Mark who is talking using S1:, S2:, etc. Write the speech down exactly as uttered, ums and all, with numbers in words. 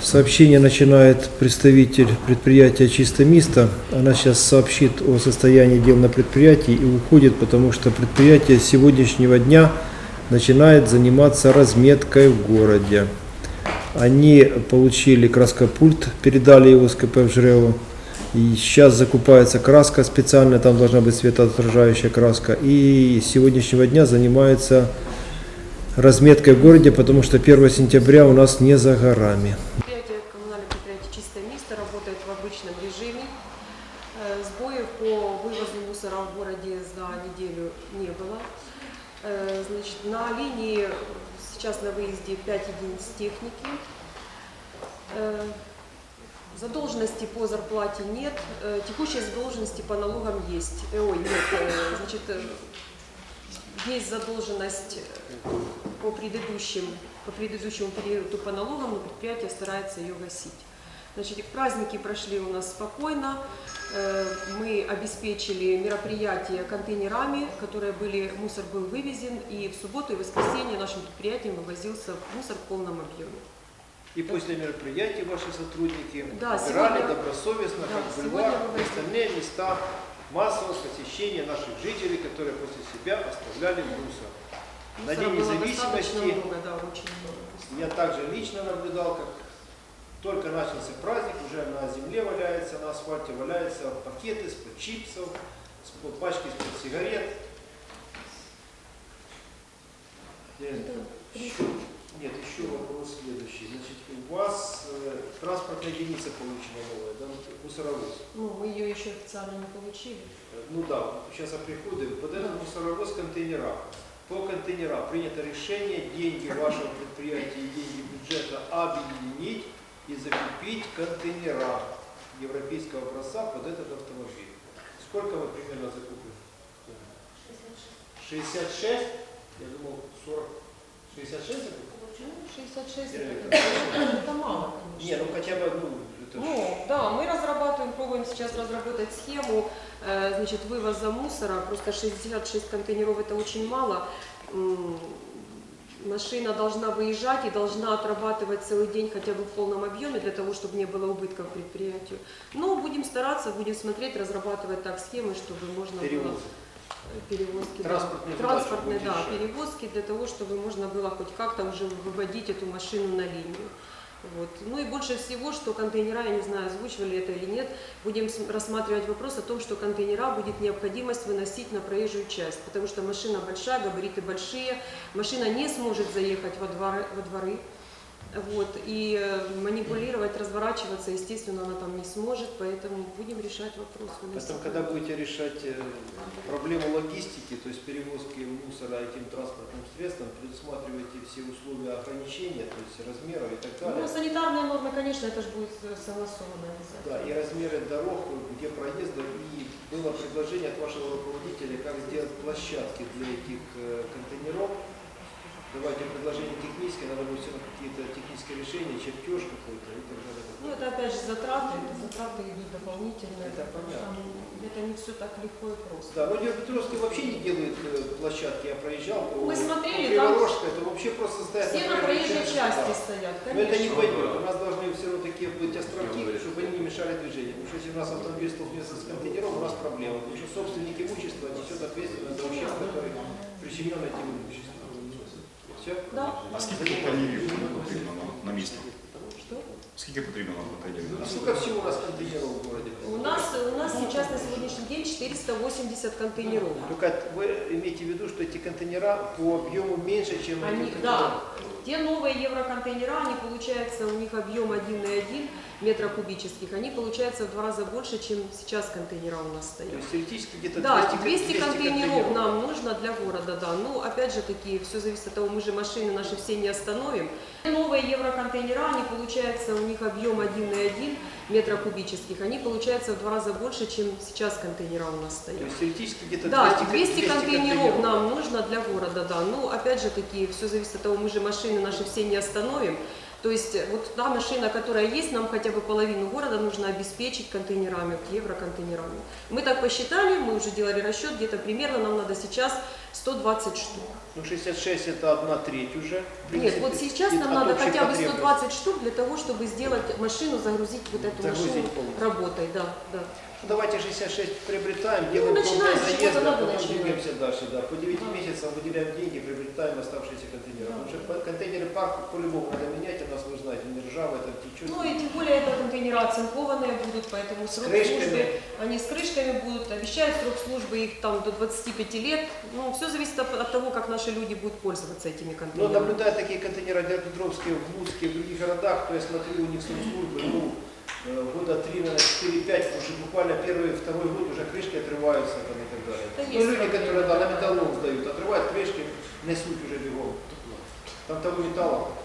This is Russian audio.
S1: Сообщение начинает представитель предприятия «Чистомисто». Она сейчас сообщит о состоянии дел на предприятии и уходит, потому что предприятие с сегодняшнего дня начинает заниматься разметкой в городе. Они получили краскопульт, передали его с ка пэ в Жрево. И сейчас закупается краска специальная, там должна быть светоотражающая краска. И с сегодняшнего дня занимается разметкой в городе, потому что первого сентября у нас не за горами.
S2: Предприятие, коммунальное предприятие «Чистомисто» работает в обычном режиме. Сбоев по вывозу мусора в городе за неделю не было. Значит, на линии сейчас на выезде пять единиц техники. Задолженности по зарплате нет, текущие задолженности по налогам есть. Ой, нет, значит, есть задолженность по предыдущим, по предыдущему периоду по налогам, но предприятие старается ее гасить. Значит, праздники прошли у нас спокойно. Мы обеспечили мероприятия контейнерами, которые были, мусор был вывезен, и в субботу и воскресенье нашим предприятием вывозился мусор в полном объеме.
S1: И после мероприятий ваши сотрудники
S2: да,
S1: убирали
S2: сегодня,
S1: добросовестно,
S2: да,
S1: как бульвар, и остальные места массового посещения наших жителей, которые после себя оставляли мусор.
S2: мусора
S1: На День независимости
S2: много, да, очень много.
S1: Я также лично наблюдал, как только начался праздник, уже на земле валяется, на асфальте валяются пакеты из-под чипсов, из-под пачки из-под сигарет. Еще, нет, еще вопрос следующий. Значит, у вас э, транспортная единица получена новая, да, мусоровоз.
S2: Ну, мы ее еще официально не получили.
S1: Ну да, сейчас о приходе. Под
S2: да.
S1: этот мусоровоз контейнера. По контейнерам принято решение деньги вашего предприятия и деньги бюджета объединить и закупить контейнера европейского образца под этот автомобиль. Сколько вы примерно закупили? шестьдесят шесть? Я думал сорок. шестьдесят шесть закупили?
S2: шестьдесят шесть это, это мало, конечно.
S1: Не, ну хотя бы, ну, это
S2: Ну, да, мы разрабатываем, пробуем сейчас разработать схему, э, значит, вывоза мусора. Просто шестьдесят шесть контейнеров это очень мало. Машина должна выезжать и должна отрабатывать целый день хотя бы в полном объеме, для того, чтобы не было убытков предприятию. Но будем стараться, будем смотреть, разрабатывать так схемы, чтобы можно
S1: перевозки.
S2: было... Перевозки,
S1: транспортные,
S2: да, транспортные да, перевозки, для того, чтобы можно было хоть как-то уже выводить эту машину на линию. Вот. Ну и больше всего, что контейнера, я не знаю, озвучивали это или нет, будем рассматривать вопрос о том, что контейнера будет необходимость выносить на проезжую часть, потому что машина большая, габариты большие, машина не сможет заехать во дворы, во дворы. Вот, и манипулировать, разворачиваться, естественно, она там не сможет, поэтому будем решать вопрос.
S1: Потом, когда будете решать проблему логистики, то есть перевозки мусора этим транспортным средством, предусматриваете все условия ограничения, то есть размеров и так далее.
S2: Ну, санитарные нормы, конечно, это же будет согласовано.
S1: Да, и размеры дорог, где проезда, и было предложение от вашего руководителя, как сделать площадки для этих контейнеров. Давайте предложение техническое, надо будет все равно какие-то технические решения, чертеж какой-то и так далее.
S2: Ну это опять же затраты, это затраты идут дополнительные.
S1: Это понятно.
S2: Это не все так легко и просто.
S1: Да, но Днепропетровский вообще не делает площадки, я проезжал по,
S2: Мы смотрели,
S1: по Криворожской, это вообще просто стоят.
S2: Все на проезжей части стоят, конечно.
S1: Но это не пойдет, у нас должны все равно такие быть островки, чтобы они не мешали движению. Потому что если у нас автомобиль столкнется с контейнером, у нас проблема. Потому что собственник имущества несет ответственность за ущерб, который причинен этим имуществом. Все?
S2: Да.
S3: А скільки контейнерів потрібно на, на місто?
S2: Что?
S3: Скільки потрібно на контейнерів?
S1: А сколько всего у нас контейнеров в городе?
S2: У нас, у нас сейчас на сегодняшний день четыреста восемьдесят контейнеров.
S1: Только вы имеете в виду, что эти контейнера по объему меньше, чем
S2: Они,
S1: эти
S2: да, те новые евроконтейнера, они получается, у них объем один и один метра кубических, они получается в два раза больше, чем сейчас контейнера у нас стоят.
S1: То есть теоретически где-то
S2: Да,
S1: двести,
S2: двести,
S1: двести
S2: контейнеров,
S1: контейнеров
S2: нам нужно для города, да. Ну, опять же таки, все зависит от того, мы же машины наши все не остановим. Новые евроконтейнера, они получается, у них объем один и один метра кубических, они получается в два раза больше, чем сейчас контейнера у нас стоят.
S1: То есть теоретически где-то
S2: Да,
S1: двести,
S2: двести,
S1: двести
S2: контейнеров,
S1: контейнеров
S2: нам нужно для города, да. Ну, опять же таки, все зависит от того, мы же машины наши все не остановим. То есть э, вот та машина, которая есть, нам хотя бы половину города нужно обеспечить контейнерами, вот, евроконтейнерами. Мы так посчитали, мы уже делали расчет, где-то примерно нам надо сейчас сто двадцать штук.
S1: Ну, шестьдесят шесть это одна треть уже. в
S2: Нет,
S1: принципе,
S2: вот сейчас
S1: и
S2: нам
S1: от
S2: надо
S1: общей
S2: хотя бы сто
S1: потребности.
S2: двадцать штук для того, чтобы сделать машину, загрузить вот эту
S1: Загрузить
S2: машину
S1: полностью.
S2: работой. Да, да.
S1: Ну, давайте шестьдесят шесть приобретаем, делаем
S2: начинаем,
S1: полные
S2: с
S1: заезды,
S2: чего-то
S1: а
S2: надо
S1: потом
S2: начинать.
S1: двигаемся дальше. Да. По девяти
S2: Да.
S1: месяцам выделяем деньги, приобретаем оставшиеся контейнеры.
S2: Да.
S1: Потому что по- контейнеры парк по-любому надо менять, у нас, вы знаете, не ржавые, там течет.
S2: Ну и тем более это контейнеры оцинкованные будут, поэтому срок
S1: крышками.
S2: службы, они с крышками будут, обещают срок службы их там до двадцати пяти лет. Ну, все зависит от, от того, как наши люди будут пользоваться этими
S1: Но
S2: контейнерами.
S1: наблюдая такие контейнеры в Петровске, в Луцке, в других городах, то я смотрю, у них срок службы, ну, э, года три, наверное, четыре-пять, потому что буквально первый, второй год уже крышки отрываются там, и так далее.
S2: Да
S1: Ну,
S2: есть
S1: люди,
S2: проблемы.
S1: которые да, на металлолом сдают, отрывают крышки, несут уже бегом. Там того металла